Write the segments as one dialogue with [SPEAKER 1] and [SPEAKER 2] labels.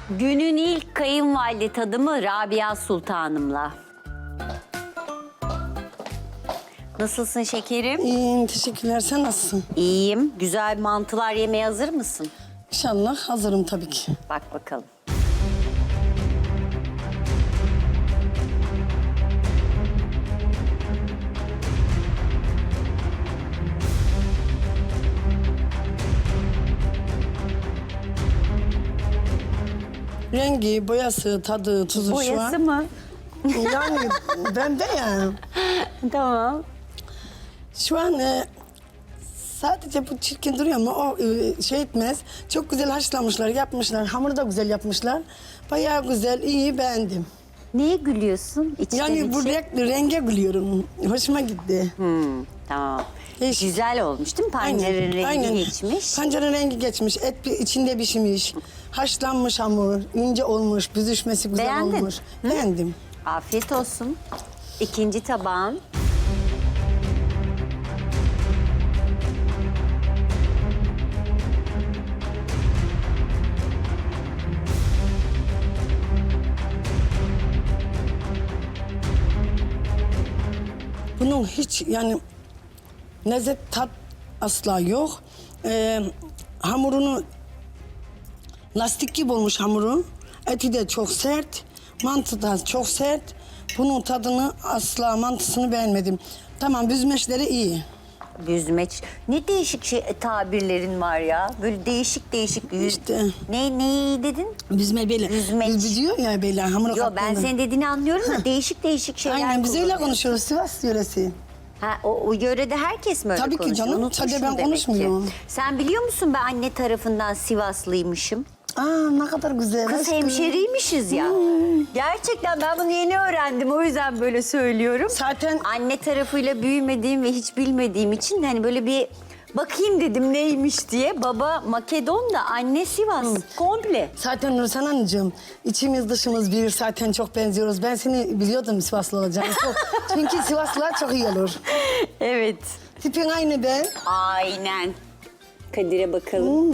[SPEAKER 1] Günün ilk kayınvalide tadımı Rabia Sultanım'la. Nasılsın şekerim?
[SPEAKER 2] İyiyim, teşekkürler. Sen nasılsın?
[SPEAKER 1] İyiyim. Güzel mantılar yemeye hazır mısın?
[SPEAKER 2] İnşallah hazırım tabii ki.
[SPEAKER 1] Bak bakalım.
[SPEAKER 2] Rengi, boyası, tadı, tuzu şu
[SPEAKER 1] Boyası
[SPEAKER 2] an.
[SPEAKER 1] mı?
[SPEAKER 2] Yani ben de yani.
[SPEAKER 1] Tamam.
[SPEAKER 2] Şu an sadece bu çirkin duruyor ama o şey etmez. Çok güzel haşlamışlar, yapmışlar. Hamuru da güzel yapmışlar. Bayağı güzel, iyi, beğendim.
[SPEAKER 1] Neye gülüyorsun? İçten
[SPEAKER 2] Yani bu
[SPEAKER 1] içe.
[SPEAKER 2] renge gülüyorum. Hoşuma gitti.
[SPEAKER 1] Tamam.
[SPEAKER 2] Değişik.
[SPEAKER 1] Güzel olmuş değil mi? Pancarın rengi geçmiş.
[SPEAKER 2] Pancarın rengi geçmiş. Et içinde pişmiş. Haşlanmış hamur. İnce olmuş. Büzüşmesi güzel
[SPEAKER 1] Beğendin.
[SPEAKER 2] olmuş. Beğendim.
[SPEAKER 1] Afiyet olsun. İkinci tabağın.
[SPEAKER 2] Bunun hiç yani lezzet tat asla yok. Hamurunu lastik gibi olmuş hamuru. Eti de çok sert. Mantı da çok sert. Bunun tadını asla mantısını beğenmedim. Tamam büzmeçleri iyi.
[SPEAKER 1] Büzmeç. Ne değişik tabirlerin var ya. Böyle değişik değişik.
[SPEAKER 2] İşte.
[SPEAKER 1] Neyi dedin?
[SPEAKER 2] Büzme böyle.
[SPEAKER 1] Büzmeç.
[SPEAKER 2] Büzüyor ya böyle hamuru
[SPEAKER 1] Yo ben
[SPEAKER 2] kattığında.
[SPEAKER 1] senin dediğini anlıyorum da değişik değişik şeyler
[SPEAKER 2] Aynen biz öyle
[SPEAKER 1] kullanıyor.
[SPEAKER 2] konuşuyoruz Sivas yöresi.
[SPEAKER 1] Ha, o yörede herkes mi öyle
[SPEAKER 2] Tabii ki
[SPEAKER 1] konuşuyor?
[SPEAKER 2] canım,
[SPEAKER 1] Unutmuşum
[SPEAKER 2] sadece ben
[SPEAKER 1] demek
[SPEAKER 2] konuşmuyorum.
[SPEAKER 1] ki. Sen biliyor musun ben anne tarafından Sivaslıymışım.
[SPEAKER 2] Aa ne kadar güzel.
[SPEAKER 1] Kız
[SPEAKER 2] aşkım.
[SPEAKER 1] hemşeriymişiz ya. Gerçekten ben bunu yeni öğrendim. O yüzden böyle söylüyorum.
[SPEAKER 2] Zaten
[SPEAKER 1] Anne tarafıyla büyümediğim ve hiç bilmediğim için hani böyle bir bakayım dedim neymiş diye. Baba Makedon da anne Sivas. Komple.
[SPEAKER 2] Zaten Nursen Hanımcığım, içimiz dışımız bir, zaten çok benziyoruz. Ben seni biliyordum Sivaslı olacağını. Çünkü Sivaslılar çok iyi olur.
[SPEAKER 1] Evet.
[SPEAKER 2] Tipin aynı ben.
[SPEAKER 1] Aynen. Kadir'e bakalım.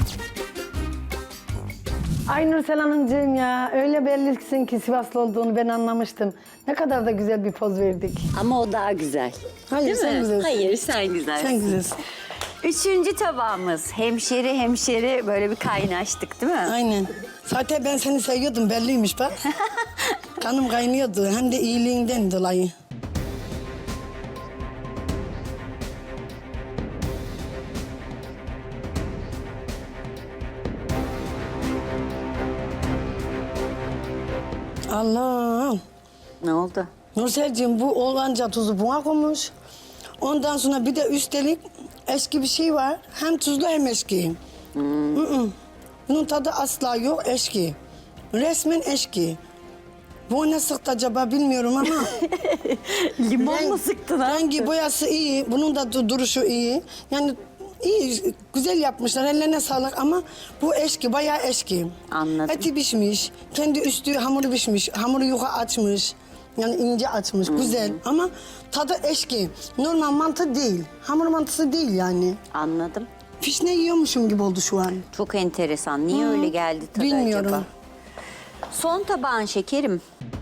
[SPEAKER 2] Ay Nursel Hanımcığım ya, öyle bellisin ki Sivaslı olduğunu ben anlamıştım. Ne kadar da güzel bir poz verdik.
[SPEAKER 1] Ama o daha güzel.
[SPEAKER 2] Hayır,
[SPEAKER 1] Değil
[SPEAKER 2] sen
[SPEAKER 1] mi?
[SPEAKER 2] güzelsin.
[SPEAKER 1] Hayır sen güzelsin.
[SPEAKER 2] Sen güzelsin.
[SPEAKER 1] Üçüncü tabağımız. Hemşeri böyle bir kaynaştık değil mi?
[SPEAKER 2] Aynen. Zaten ben seni seviyordum, belliymiş bak. Kanım kaynıyordu, hem de iyiliğinden dolayı. Allah!
[SPEAKER 1] Ne oldu?
[SPEAKER 2] Nurselciğim bu oğlanca tuzu buna koymuş. Ondan sonra bir de üstelik eski bir şey var. Hem tuzlu hem eski. Bunun tadı asla yok, eski. Resmen eski. Bu ne sıktı acaba bilmiyorum ama.
[SPEAKER 1] Limon mu sıktın ha?
[SPEAKER 2] Rengi boyası iyi, bunun da duruşu iyi. Yani iyi, güzel yapmışlar, ellerine sağlık ama bu eski, bayağı eski.
[SPEAKER 1] Anladım.
[SPEAKER 2] Eti pişmiş, kendi üstü hamuru pişmiş, hamuru yuka açmış. Yani ince açmış, güzel ama tadı eski. Normal mantı değil, hamur mantısı değil yani.
[SPEAKER 1] Anladım.
[SPEAKER 2] Fişne yiyormuşum gibi oldu şu an.
[SPEAKER 1] Çok enteresan. Niye öyle geldi tadı
[SPEAKER 2] Bilmiyorum.
[SPEAKER 1] acaba? Son tabağın şekerim.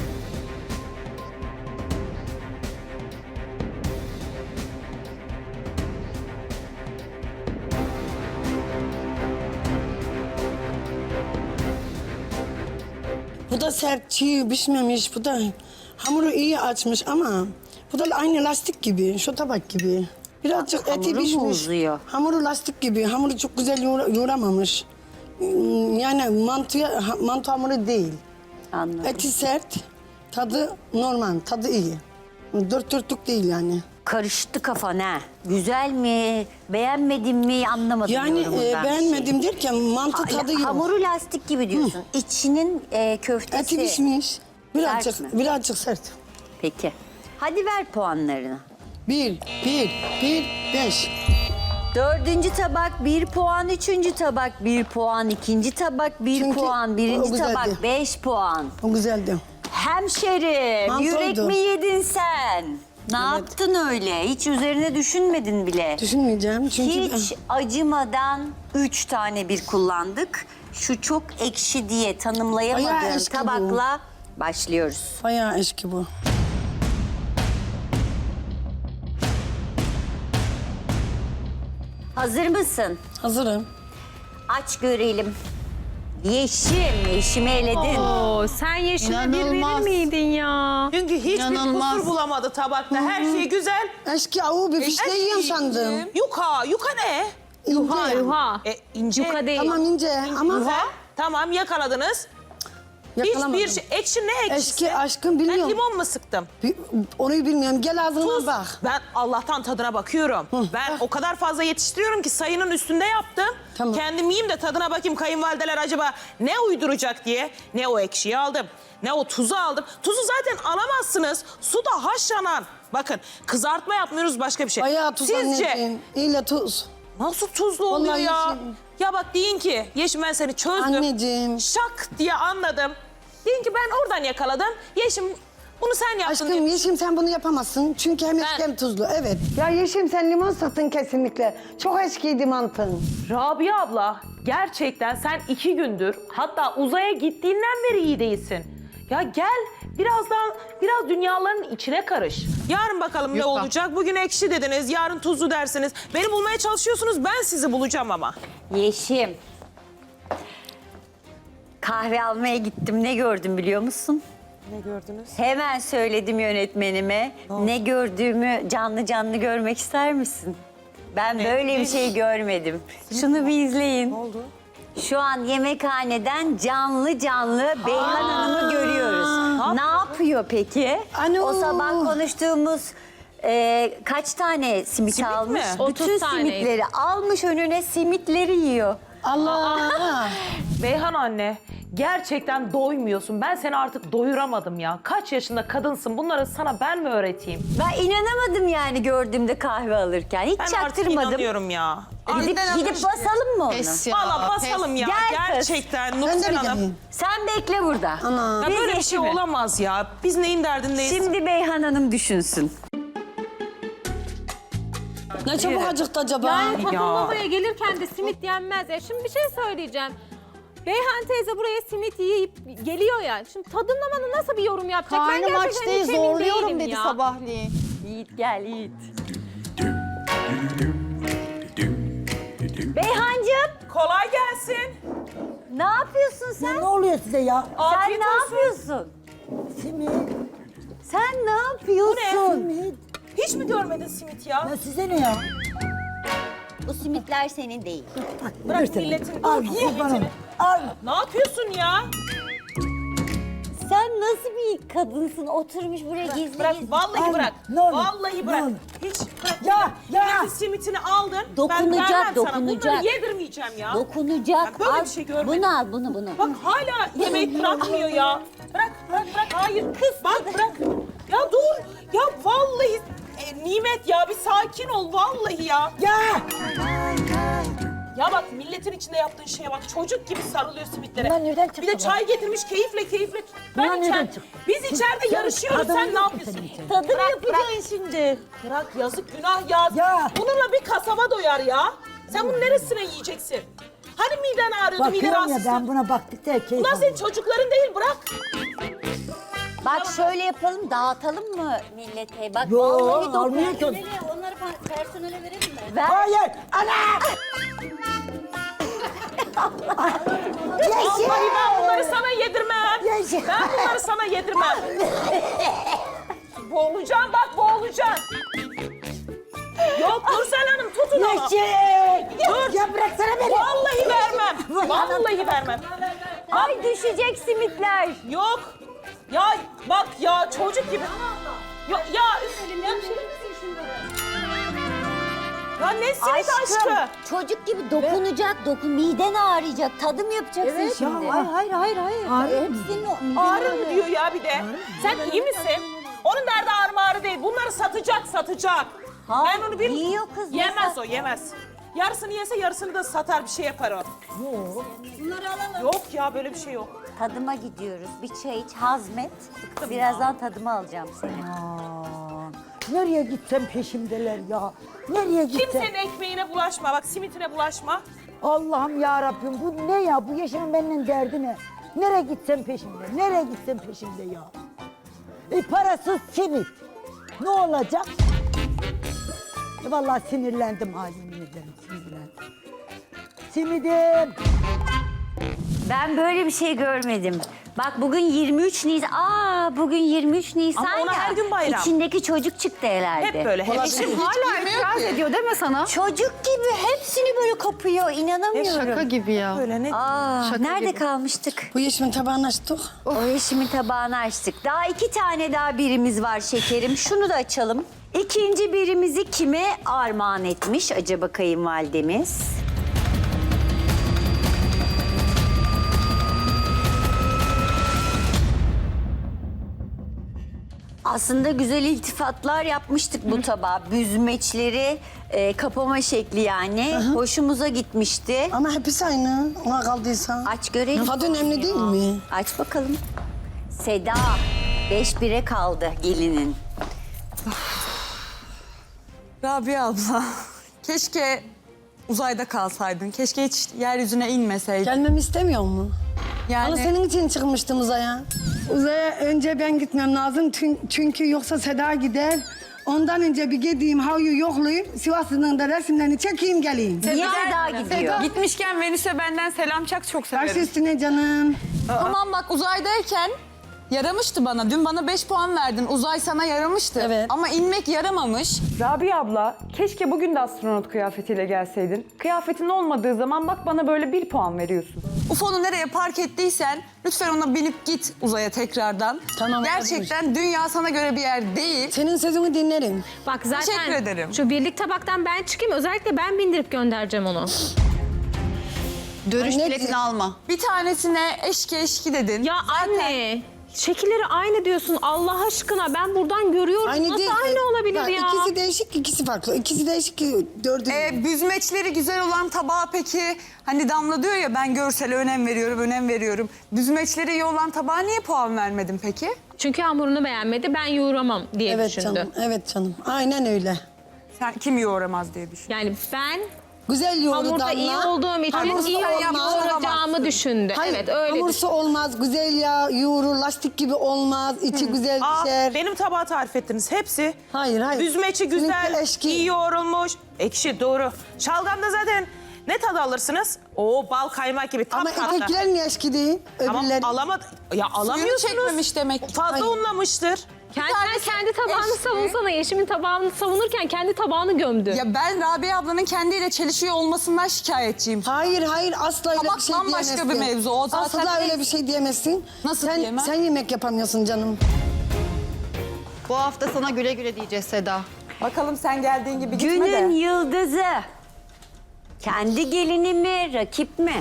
[SPEAKER 2] Bu da sert, çiğ, pişmemiş. Bu da hamuru iyi açmış ama bu da aynı lastik gibi, şu tabak gibi. Birazcık
[SPEAKER 1] Hamuru
[SPEAKER 2] eti
[SPEAKER 1] mu
[SPEAKER 2] pişmiş.
[SPEAKER 1] uzuyor?
[SPEAKER 2] Hamuru lastik gibi, hamuru çok güzel yoğuramamış. Yani mantı hamuru değil.
[SPEAKER 1] Anladım.
[SPEAKER 2] Eti sert, tadı normal, tadı iyi. Dört dörtlük değil yani.
[SPEAKER 1] Karıştı kafan ha. Güzel mi, beğenmedin mi anlamadım
[SPEAKER 2] Yani
[SPEAKER 1] yorumundan bir şey.
[SPEAKER 2] beğenmedim derken mantı tadı yok.
[SPEAKER 1] Hamuru lastik gibi diyorsun. İçinin köftesi.
[SPEAKER 2] Eti pişmiş.
[SPEAKER 1] Sert mi?
[SPEAKER 2] Birazcık sert.
[SPEAKER 1] Peki. Hadi ver puanlarını.
[SPEAKER 2] Bir, 5.
[SPEAKER 1] Dördüncü tabak 1 puan, üçüncü tabak 1 puan, ikinci tabak 1
[SPEAKER 2] Çünkü
[SPEAKER 1] puan,
[SPEAKER 2] o
[SPEAKER 1] birinci
[SPEAKER 2] güzeldi.
[SPEAKER 1] tabak 5 puan.
[SPEAKER 2] O güzeldi.
[SPEAKER 1] Hemşerim,
[SPEAKER 2] Mantoydu.
[SPEAKER 1] yürek mi yedin sen? Ne yaptın öyle? Hiç üzerine düşünmedin bile.
[SPEAKER 2] Düşünmeyeceğim çünkü...
[SPEAKER 1] Hiç acımadan 3 tane bir kullandık. Şu çok ekşi diye
[SPEAKER 2] Bayağı
[SPEAKER 1] tanımlayamadığın
[SPEAKER 2] eski bu.
[SPEAKER 1] tabakla başlıyoruz.
[SPEAKER 2] Bayağı eski bu.
[SPEAKER 1] Hazır mısın?
[SPEAKER 2] Hazırım.
[SPEAKER 1] Aç görelim. Yeşim, Yeşim'i eledin.
[SPEAKER 3] Oo, sen Yeşim'e bir verir
[SPEAKER 4] İnanılmaz.
[SPEAKER 3] miydin ya?
[SPEAKER 4] Çünkü hiçbir
[SPEAKER 5] İnanılmaz.
[SPEAKER 4] kusur bulamadı tabakta. Her şey güzel.
[SPEAKER 2] Eski avu bir fişte yiyorum sandım.
[SPEAKER 4] Yuka, yuka ne?
[SPEAKER 3] Yuha, yuha.
[SPEAKER 4] İnce.
[SPEAKER 3] Yuka değil.
[SPEAKER 2] Tamam ince ama
[SPEAKER 4] Yuha. Tamam yakaladınız.
[SPEAKER 2] yakalamadım.
[SPEAKER 4] Hiçbir şey. Ekşi ne ekşisi?
[SPEAKER 2] Eski aşkım
[SPEAKER 4] Ben
[SPEAKER 2] biliyorum.
[SPEAKER 4] limon mu sıktım?
[SPEAKER 2] Onu bilmiyorum. Gel ağzına
[SPEAKER 4] Tuz.
[SPEAKER 2] bak.
[SPEAKER 4] Ben Allah'tan tadına bakıyorum. Ben o kadar fazla yetiştiriyorum ki sayının üstünde yaptım.
[SPEAKER 2] Tamam.
[SPEAKER 4] Kendim yiyeyim de tadına bakayım kayınvalideler acaba ne uyduracak diye. Ne o ekşiyi aldım, ne o tuzu aldım. Tuzu zaten alamazsınız. Suda haşlanan. Bakın kızartma yapmıyoruz başka bir şey.
[SPEAKER 2] Bayağı tuz
[SPEAKER 4] Sizce
[SPEAKER 2] anneciğim. İyle tuz.
[SPEAKER 4] nasıl tuzlu oluyor
[SPEAKER 2] Vallahi
[SPEAKER 4] ya?
[SPEAKER 2] Yeşim.
[SPEAKER 4] Ya bak deyin ki Yeşim ben seni çözdüm.
[SPEAKER 2] Anneciğim.
[SPEAKER 4] Şak diye anladım. Deyin ki ben oradan yakaladım. Yeşim bunu sen yaptın.
[SPEAKER 2] Aşkım
[SPEAKER 4] diye.
[SPEAKER 2] Yeşim sen bunu yapamazsın. Çünkü hem eski hem tuzlu. Evet. Ya Yeşim sen limon sıktın kesinlikle. Çok eskiydi mantın.
[SPEAKER 6] Rabia abla gerçekten sen 2 gündür hatta uzaya gittiğinden beri iyi değilsin. Ya gel biraz dünyaların içine karış.
[SPEAKER 4] Yarın bakalım ne olacak. Bugün ekşi dediniz, yarın tuzlu dersiniz. Beni bulmaya çalışıyorsunuz, ben sizi bulacağım ama.
[SPEAKER 1] Yeşim. Kahve almaya gittim. Ne gördüm biliyor musun?
[SPEAKER 4] Ne gördünüz?
[SPEAKER 1] Hemen söyledim yönetmenime. Ne gördüğümü canlı canlı görmek ister misin? Ben böyle bir şey görmedim. Şunu bir izleyin. Ne oldu? Şu an yemekhaneden canlı canlı Beyhan Hanım'ı görüyoruz. Ne yapıyor peki?
[SPEAKER 2] Ano.
[SPEAKER 1] O sabah konuştuğumuz kaç tane simit
[SPEAKER 4] Simit
[SPEAKER 1] almış?
[SPEAKER 4] mi?
[SPEAKER 3] 30
[SPEAKER 1] Bütün
[SPEAKER 3] taneydi.
[SPEAKER 1] simitleri almış önüne simitleri yiyor.
[SPEAKER 2] Allah.
[SPEAKER 6] Beyhan anne gerçekten doymuyorsun. Ben seni artık doyuramadım ya. Kaç yaşında kadınsın, bunları sana ben mi öğreteyim?
[SPEAKER 1] Ben inanamadım yani gördüğümde kahve alırken. Hiç
[SPEAKER 4] Ben artık
[SPEAKER 1] çaktırmadım.
[SPEAKER 4] inanıyorum ya.
[SPEAKER 1] Gidip basalım mı onu?
[SPEAKER 5] Pes ya.
[SPEAKER 4] Valla
[SPEAKER 5] pes.
[SPEAKER 4] basalım ya.
[SPEAKER 1] Gel kız.
[SPEAKER 4] Gerçekten
[SPEAKER 2] Ben de
[SPEAKER 4] Nursel
[SPEAKER 2] bir
[SPEAKER 4] Hanım.
[SPEAKER 2] geleyim.
[SPEAKER 1] Sen bekle burada.
[SPEAKER 2] Ana.
[SPEAKER 4] Ya
[SPEAKER 1] Biz
[SPEAKER 4] böyle bir şey
[SPEAKER 1] Yeşim'i.
[SPEAKER 4] olamaz ya. Biz neyin derdindeyiz?
[SPEAKER 1] Şimdi Beyhan Hanım düşünsün.
[SPEAKER 2] Ne çabuk acıktı acaba?
[SPEAKER 3] Yani tadımlamaya gelirken de simit yenmez. Ya şimdi bir şey söyleyeceğim. Beyhan teyze buraya simit yiyip geliyor ya. Şimdi tadımlamanın nasıl bir yorum yapacak? Ben
[SPEAKER 5] Karnım aç
[SPEAKER 3] gerçekten
[SPEAKER 5] değil
[SPEAKER 3] hiç emin
[SPEAKER 5] zorluyorum
[SPEAKER 3] değilim
[SPEAKER 5] dedi
[SPEAKER 3] ya.
[SPEAKER 5] sabahleyin.
[SPEAKER 1] Yiğit gel Yiğit. Beyhancığım
[SPEAKER 4] Kolay gelsin.
[SPEAKER 1] ne yapıyorsun sen?
[SPEAKER 7] Ne oluyor size ya?
[SPEAKER 1] Sen
[SPEAKER 4] Afiyet
[SPEAKER 1] ne
[SPEAKER 4] olsun.
[SPEAKER 1] yapıyorsun?
[SPEAKER 7] Simit,
[SPEAKER 1] Sen ne yapıyorsun?
[SPEAKER 7] simit.
[SPEAKER 4] Hiç mi görmedin simit ya?
[SPEAKER 7] Ya size ne ya?
[SPEAKER 1] Bu simitler senin değil.
[SPEAKER 4] Bırak milletin
[SPEAKER 7] Al
[SPEAKER 4] simitini.
[SPEAKER 7] kurbanım. Al.
[SPEAKER 4] Ne yapıyorsun ya?
[SPEAKER 1] Sen nasıl bir kadınsın? Oturmuş buraya gizli
[SPEAKER 4] Bırak,
[SPEAKER 1] gizli.
[SPEAKER 4] vallahi
[SPEAKER 7] Al,
[SPEAKER 4] bırak.
[SPEAKER 7] ne olur,
[SPEAKER 4] Vallahi
[SPEAKER 7] ne
[SPEAKER 4] bırak.
[SPEAKER 7] olur.
[SPEAKER 4] Hiç bırak.
[SPEAKER 7] Ya, ya.
[SPEAKER 4] Milletin simitini aldın.
[SPEAKER 1] Dokunacak,
[SPEAKER 4] ben vermem sana.
[SPEAKER 1] dokunacak.
[SPEAKER 4] Bunları yedirmeyeceğim ya.
[SPEAKER 1] Dokunacak.
[SPEAKER 4] Ben böyle
[SPEAKER 1] Al,
[SPEAKER 4] bir şey görmedim.
[SPEAKER 1] bunu al bunu.
[SPEAKER 4] Bak hala yemeği bırakmıyor ya. Bırak. Hayır. Kız. Bak bırak. Ya dur. Ya vallahi Nimet ya bir sakin ol vallahi ya.
[SPEAKER 7] Ya.
[SPEAKER 4] Ya bak milletin içinde yaptığın şeye bak. Çocuk gibi sarılıyor simitlere.
[SPEAKER 7] Bunlar nereden çıktı
[SPEAKER 4] Bir de
[SPEAKER 7] bu?
[SPEAKER 4] çay getirmiş keyifle.
[SPEAKER 7] Bunlar
[SPEAKER 4] Ben
[SPEAKER 7] nereden
[SPEAKER 4] içer.
[SPEAKER 7] çıktı?
[SPEAKER 4] Biz içeride yarışıyoruz.
[SPEAKER 7] tadını
[SPEAKER 4] Sen ne
[SPEAKER 7] yok mu
[SPEAKER 4] yapıyorsun?
[SPEAKER 7] senin için?
[SPEAKER 1] Tadım
[SPEAKER 4] Bırak,
[SPEAKER 1] yapacaksın şimdi.
[SPEAKER 4] Bırak yazık günah ya.
[SPEAKER 7] Ya.
[SPEAKER 4] Bununla bir kasaba doyar ya. Sen bunun neresine yiyeceksin? Hani miden ağrıyordu, miden
[SPEAKER 7] Bakıyorum ya
[SPEAKER 4] rahatsızsın.
[SPEAKER 7] ben buna baktıkça keyif
[SPEAKER 4] Bunlar senin
[SPEAKER 7] alıyorum.
[SPEAKER 4] çocukların değil bırak.
[SPEAKER 1] Bak şöyle yapalım, dağıtalım mı millete? Bak
[SPEAKER 7] Yo,
[SPEAKER 1] vallahi
[SPEAKER 7] almıyor ki.
[SPEAKER 1] Onları personele verelim mi? Ver.
[SPEAKER 7] Hayır. Ana.
[SPEAKER 4] Vallahi ben bunları sana yedirmem.
[SPEAKER 7] Yeşil.
[SPEAKER 4] Ben bunları sana yedirmem. Boğulacaksın bak boğulacaksın. Yok Nursel Hanım tutun onu.
[SPEAKER 7] Yeşil.
[SPEAKER 4] Dur.
[SPEAKER 7] Ya bıraksana beni.
[SPEAKER 4] Vallahi vermem. Vallahi vermem.
[SPEAKER 1] Ay düşecek simitler.
[SPEAKER 4] Yok. Ya bak ya çocuk gibi. Ya Ya ne simit aşkı?
[SPEAKER 1] Çocuk gibi dokunacak, miden ağrıyacak, tadım yapacaksın şimdi.
[SPEAKER 7] Hayır.
[SPEAKER 1] Hepsinin
[SPEAKER 4] Ağrı mı diyor ya bir de? Sen iyi misin? Onun derdi ağrı değil. Bunları satacak.
[SPEAKER 1] Ha,
[SPEAKER 4] Ben onu bilmiyorum.
[SPEAKER 1] yiyor kız, ne
[SPEAKER 4] Yemez
[SPEAKER 1] sat-
[SPEAKER 4] o yemez. Yarısını yese yarısını da satar bir şey yapar o. Yok ya böyle bir şey yok.
[SPEAKER 1] Tadıma gidiyoruz. Bir çay iç, hazmet. Birazdan tadıma alacağım seni.
[SPEAKER 7] Nereye gitsem peşimdeler ya. Nereye gitsem.
[SPEAKER 4] Kimsenin ekmeğine bulaşma. Bak simitine bulaşma.
[SPEAKER 7] Allah'ım ya Rabbim bu ne ya? Bu yaşamın benimle derdi ne? Nereye gitsem peşimde. Nereye gitsem peşimde ya. Parasız simit. Ne olacak? Vallahi sinirlendim halimine ederim. Sinirlendim. Simidim.
[SPEAKER 1] Ben böyle bir şey görmedim. Bak bugün 23 Nisan. Bugün 23 Nisan
[SPEAKER 4] Ama ona
[SPEAKER 1] ya.
[SPEAKER 4] her gün bayram.
[SPEAKER 1] İçindeki çocuk çıktı herhalde.
[SPEAKER 4] Hep böyle. Hep
[SPEAKER 5] Hala itiraz ediyor deme sana.
[SPEAKER 1] Çocuk gibi hepsini böyle kapıyor. İnanamıyorum.
[SPEAKER 5] Şaka gibi ya.
[SPEAKER 4] böyle ne?
[SPEAKER 1] Nerede kalmıştık?
[SPEAKER 2] Bu yeşimin tabağını açtık.
[SPEAKER 1] O yeşimin tabağını açtık. Daha 2 tane daha birimiz var şekerim. Şunu da açalım. İkinci birimizi kime armağan etmiş acaba kayınvalidemiz? Aslında güzel iltifatlar yapmıştık bu tabağa. Büzmeçleri kapama şekli yani. Hoşumuza gitmişti.
[SPEAKER 2] Ama hepsi aynı. Ona kaldıysa.
[SPEAKER 1] Aç görelim.
[SPEAKER 2] Tadı önemli değil mi?
[SPEAKER 1] Aç bakalım. Seda 5-1'e kaldı gelinin.
[SPEAKER 8] Rabia abla, keşke uzayda kalsaydın. Keşke hiç yeryüzüne inmeseydin.
[SPEAKER 2] Gelmemi istemiyor mu?
[SPEAKER 8] Yani
[SPEAKER 2] Ama senin için çıkmıştım uzaya. Uzaya önce ben gitmem lazım çünkü yoksa Seda gider. Ondan önce bir gideyim, havyu yoklayayım. Sivas'ın da resimlerini çekeyim geleyim.
[SPEAKER 1] Niye Seda gidiyor?
[SPEAKER 8] gitmişken Venüs'e benden selam çak, çok
[SPEAKER 2] Baş
[SPEAKER 8] severim.
[SPEAKER 2] üstüne canım.
[SPEAKER 8] Tamam bak, uzaydayken yaramıştı bana. Dün bana 5 puan verdin. Uzay sana yaramıştı.
[SPEAKER 2] Evet.
[SPEAKER 8] Ama inmek yaramamış.
[SPEAKER 9] Rabia abla, keşke bugün de astronot kıyafetiyle gelseydin. Kıyafetin olmadığı zaman bak bana böyle 1 puan veriyorsun.
[SPEAKER 8] UFO'nu nereye park ettiysen lütfen ona binip git uzaya tekrardan.
[SPEAKER 2] Tamam,
[SPEAKER 8] Gerçekten dünya sana göre bir yer değil.
[SPEAKER 2] Senin sözünü dinlerim.
[SPEAKER 3] Bak zaten
[SPEAKER 8] Teşekkür ederim.
[SPEAKER 3] şu birlik tabaktan ben çıkayım. Özellikle ben bindirip göndereceğim onu.
[SPEAKER 5] Dönüş
[SPEAKER 2] Anne-
[SPEAKER 5] biletini alma.
[SPEAKER 8] Bir tanesine eşki dedin.
[SPEAKER 3] Ya anne, şekilleri aynı diyorsun Allah aşkına. Ben buradan görüyorum. Nasıl
[SPEAKER 2] değil.
[SPEAKER 3] aynı olabilir
[SPEAKER 2] Bak,
[SPEAKER 3] ya?
[SPEAKER 2] İkisi değişik, ikisi farklı. İkisi değişik, dördü.
[SPEAKER 8] Büzmeçleri güzel olan tabağa peki, hani Damla diyor ya ben görsele önem veriyorum. Büzmeçleri iyi olan tabağa niye puan vermedin peki?
[SPEAKER 3] Çünkü hamurunu beğenmedi, ben yoğuramam diye
[SPEAKER 2] Evet
[SPEAKER 3] düşündü.
[SPEAKER 2] canım, evet canım. Aynen öyle.
[SPEAKER 8] Sen kim yoğuramaz diye düşün.
[SPEAKER 3] Yani ben
[SPEAKER 2] Güzel yoğurdu
[SPEAKER 3] hamurda
[SPEAKER 2] Damla.
[SPEAKER 3] iyi olduğum için
[SPEAKER 2] Hamursu
[SPEAKER 3] iyi
[SPEAKER 2] olmaz.
[SPEAKER 3] yoğuracağımı düşündü.
[SPEAKER 2] Hayır,
[SPEAKER 3] Evet öyle
[SPEAKER 2] hamursu olmaz, güzel ya yoğurur, lastik gibi olmaz, içi güzel pişer.
[SPEAKER 4] Benim tabağı tarif ettiniz. Hepsi.
[SPEAKER 2] Hayır.
[SPEAKER 4] Büzmeci
[SPEAKER 2] Seninki
[SPEAKER 4] güzel,
[SPEAKER 2] eşki.
[SPEAKER 4] iyi yoğrulmuş. Ekşi, doğru. Şalgamda zaten ne tadı alırsınız? Oo, bal kaymak gibi tam
[SPEAKER 2] Ama
[SPEAKER 4] tatlı.
[SPEAKER 2] ötekiler niye eşki değil?
[SPEAKER 4] Tamam,
[SPEAKER 2] Öbürleri.
[SPEAKER 4] alamadı. Ya
[SPEAKER 8] Suyunu
[SPEAKER 4] alamıyorsunuz.
[SPEAKER 8] çekmemiş demek ki.
[SPEAKER 4] Fazla
[SPEAKER 2] Hayır.
[SPEAKER 4] unlamıştır.
[SPEAKER 3] Sen kendi tabağını
[SPEAKER 8] eşki.
[SPEAKER 3] savunsana. Yeşim'in tabağını savunurken kendi tabağını gömdü.
[SPEAKER 8] Ya ben Rabia ablanın kendiyle çelişiyor olmasından şikayetçiyim.
[SPEAKER 2] Hayır, asla öyle
[SPEAKER 8] Tabak
[SPEAKER 2] bir şey
[SPEAKER 8] bambaşka
[SPEAKER 2] diyemezsin.
[SPEAKER 8] bir mevzu, o zaten
[SPEAKER 2] Asla öyle bir şey diyemezsin.
[SPEAKER 8] Nasıl
[SPEAKER 2] sen,
[SPEAKER 8] diyemem?
[SPEAKER 2] Sen yemek yapamıyorsun canım.
[SPEAKER 5] Bu hafta sana güle güle diyeceğiz Seda.
[SPEAKER 8] Bakalım sen geldiğin gibi gitme de.
[SPEAKER 1] Günün yıldızı. Kendi gelini mi, rakip mi?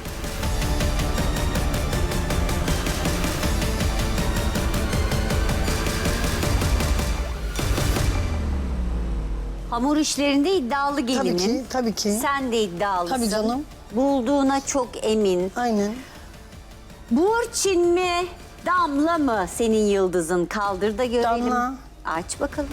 [SPEAKER 1] Hamur işlerinde iddialı gelinin.
[SPEAKER 2] Tabii ki.
[SPEAKER 1] Sen de iddialısın.
[SPEAKER 2] Tabii canım.
[SPEAKER 1] Bulduğuna çok emin.
[SPEAKER 2] Aynen.
[SPEAKER 1] Burçin mi, Damla mı senin yıldızın? Kaldır da görelim.
[SPEAKER 2] Damla.
[SPEAKER 1] Aç bakalım.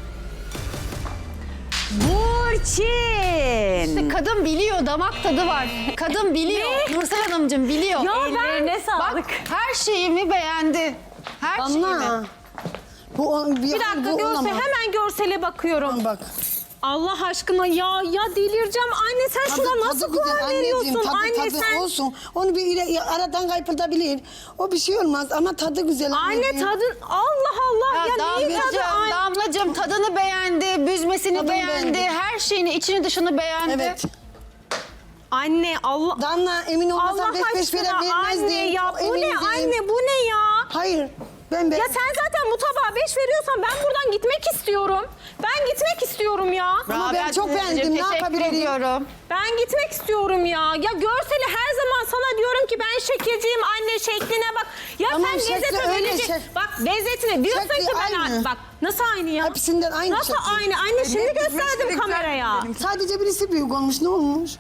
[SPEAKER 1] Burçin.
[SPEAKER 5] Kadın biliyor, damak tadı var. Kadın biliyor. Nursel Hanımcığım biliyor.
[SPEAKER 1] Ellerine sağlık.
[SPEAKER 5] Bak her şeyimi beğendi. Her şeyimi.
[SPEAKER 2] Damla.
[SPEAKER 3] Bir dakika hemen görsele bakıyorum.
[SPEAKER 2] Bak.
[SPEAKER 3] Allah aşkına ya delireceğim. Anne sen şuna nasıl
[SPEAKER 2] güzel,
[SPEAKER 3] puan veriyorsun?
[SPEAKER 2] tadı,
[SPEAKER 3] Anne
[SPEAKER 2] tadı
[SPEAKER 3] sen...
[SPEAKER 2] olsun. Onu bir aradan kaypılabilir. O bir şey olmaz ama tadı güzel.
[SPEAKER 3] Anne
[SPEAKER 2] anneciğim.
[SPEAKER 3] tadın Allah Allah ya, neyin tadı?
[SPEAKER 5] Damlacığım tadını beğendi, büzmesini
[SPEAKER 2] Tadını
[SPEAKER 5] beğendi,
[SPEAKER 2] beğendi.
[SPEAKER 5] her şeyini içini dışını beğendi.
[SPEAKER 2] Evet.
[SPEAKER 3] Anne Allah
[SPEAKER 2] Damla emin olmasan
[SPEAKER 3] Allah
[SPEAKER 2] 5
[SPEAKER 3] aşkına
[SPEAKER 2] vermezdin.
[SPEAKER 3] anne ya
[SPEAKER 2] Çok
[SPEAKER 3] bu ne
[SPEAKER 2] emindim.
[SPEAKER 3] anne bu ne ya?
[SPEAKER 2] Hayır. Ben
[SPEAKER 3] Ya sen zaten bu tabağa 5 veriyorsan ben buradan gitmek istiyorum. Ben gitmek istiyorum ya.
[SPEAKER 2] Ama ben çok beğendim. Ne yapabilirim?
[SPEAKER 5] ediyorum.
[SPEAKER 3] Ben gitmek istiyorum ya. Ya görseli her zaman sana diyorum ki ben şekilciyim anne şekline bak. Ya
[SPEAKER 2] Tamam,
[SPEAKER 3] sen
[SPEAKER 2] şekli
[SPEAKER 3] lezzete
[SPEAKER 2] öyle
[SPEAKER 3] verecek.
[SPEAKER 2] şek-
[SPEAKER 3] Bak lezzetine diyorsun
[SPEAKER 2] Şekli
[SPEAKER 3] ki ben
[SPEAKER 2] aynı.
[SPEAKER 3] bak nasıl aynı ya?
[SPEAKER 2] Hepsinden aynı
[SPEAKER 3] Nasıl
[SPEAKER 2] şekli.
[SPEAKER 3] aynı? Anne şimdi
[SPEAKER 8] büzmeçleri
[SPEAKER 3] gösterdim
[SPEAKER 8] güzel
[SPEAKER 3] kameraya.
[SPEAKER 2] Sadece birisi büyük olmuş. Ne olmuş?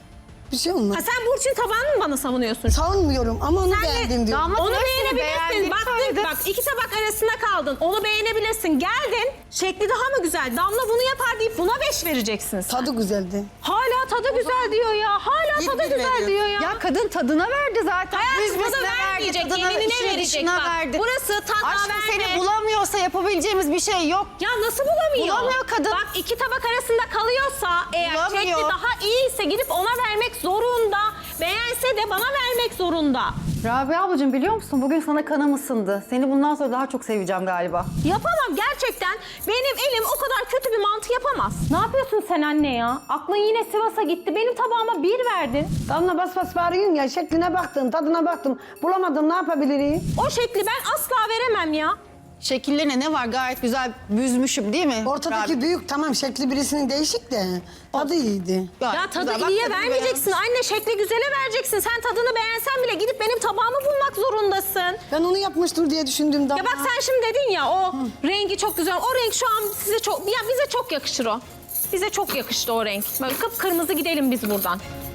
[SPEAKER 2] Bir şey olmaz.
[SPEAKER 3] Ha sen Burçin tabağını mı bana savunuyorsun?
[SPEAKER 2] Savunmuyorum ama onu beğendim diyorum.
[SPEAKER 5] Damat
[SPEAKER 3] Onu
[SPEAKER 5] hepsini
[SPEAKER 3] beğenebilirsin.
[SPEAKER 5] beğendiğini
[SPEAKER 3] Baktın
[SPEAKER 5] söyledi.
[SPEAKER 3] bak 2 tabak arasında kaldın. Onu beğenebilirsin. Geldin. Şekli daha mı güzel? Damla bunu yapar deyip buna 5 vereceksin sen.
[SPEAKER 2] Tadı güzeldi.
[SPEAKER 3] Hala tadı güzel diyor ya. Hala
[SPEAKER 8] Bir
[SPEAKER 3] tadı
[SPEAKER 8] bir
[SPEAKER 3] güzel
[SPEAKER 8] veriyor.
[SPEAKER 3] diyor ya.
[SPEAKER 5] Ya kadın tadına verdi zaten.
[SPEAKER 3] Hayatım tadı
[SPEAKER 5] Büzmesine
[SPEAKER 3] vermeyecek.
[SPEAKER 5] tadına,
[SPEAKER 3] Gelinine
[SPEAKER 5] içine
[SPEAKER 3] verecek
[SPEAKER 5] dışına
[SPEAKER 3] bak.
[SPEAKER 5] verdi.
[SPEAKER 3] Burası tadına
[SPEAKER 5] Aşkım
[SPEAKER 3] verme.
[SPEAKER 5] seni bulamıyorsa yapabileceğimiz bir şey yok.
[SPEAKER 3] Ya nasıl bulamıyor?
[SPEAKER 5] Bulamıyor kadın.
[SPEAKER 3] Bak 2 tabak arasında kalıyorsa eğer
[SPEAKER 5] Bulamıyor.
[SPEAKER 3] şekli daha iyiyse gidip ona vermek zorunda. Beğense de bana vermek zorunda.
[SPEAKER 5] Rabia ablacığım biliyor musun? Bugün sana kanım ısındı. Seni bundan sonra daha çok seveceğim galiba.
[SPEAKER 3] Yapamam gerçekten. Benim elim o kadar kötü bir mantı yapamaz.
[SPEAKER 10] Ne yapıyorsun sen anne ya? Aklın yine Sivas'a gitti. Benim tabağıma 1 verdin.
[SPEAKER 2] Damla bas bas bağırıyorsun ya. Şekline baktım, tadına baktım. Bulamadım, ne yapabilirim?
[SPEAKER 3] O şekli ben asla veremem ya.
[SPEAKER 5] Şekillerine ne var? Gayet güzel büzmüşüm değil mi?
[SPEAKER 2] Ortadaki
[SPEAKER 5] Rabia?
[SPEAKER 2] büyük tamam şekli birisinin değişik de tadı iyiydi.
[SPEAKER 5] Gayet
[SPEAKER 3] Ya tadı
[SPEAKER 5] güzel. Bak,
[SPEAKER 3] iyiye
[SPEAKER 5] tadını
[SPEAKER 3] vermeyeceksin. Anne şekli güzele vereceksin. Sen tadını beğensen bile gidip benim tabağımı bulmak zorundasın.
[SPEAKER 2] Ben onu yapmıştır diye düşündüm Damla.
[SPEAKER 3] Ya bak sen şimdi dedin ya o rengi çok güzel. O renk şu an size çok, ya bize çok yakışır o. Bize çok yakıştı o renk. Böyle kıpkırmızı gidelim biz buradan.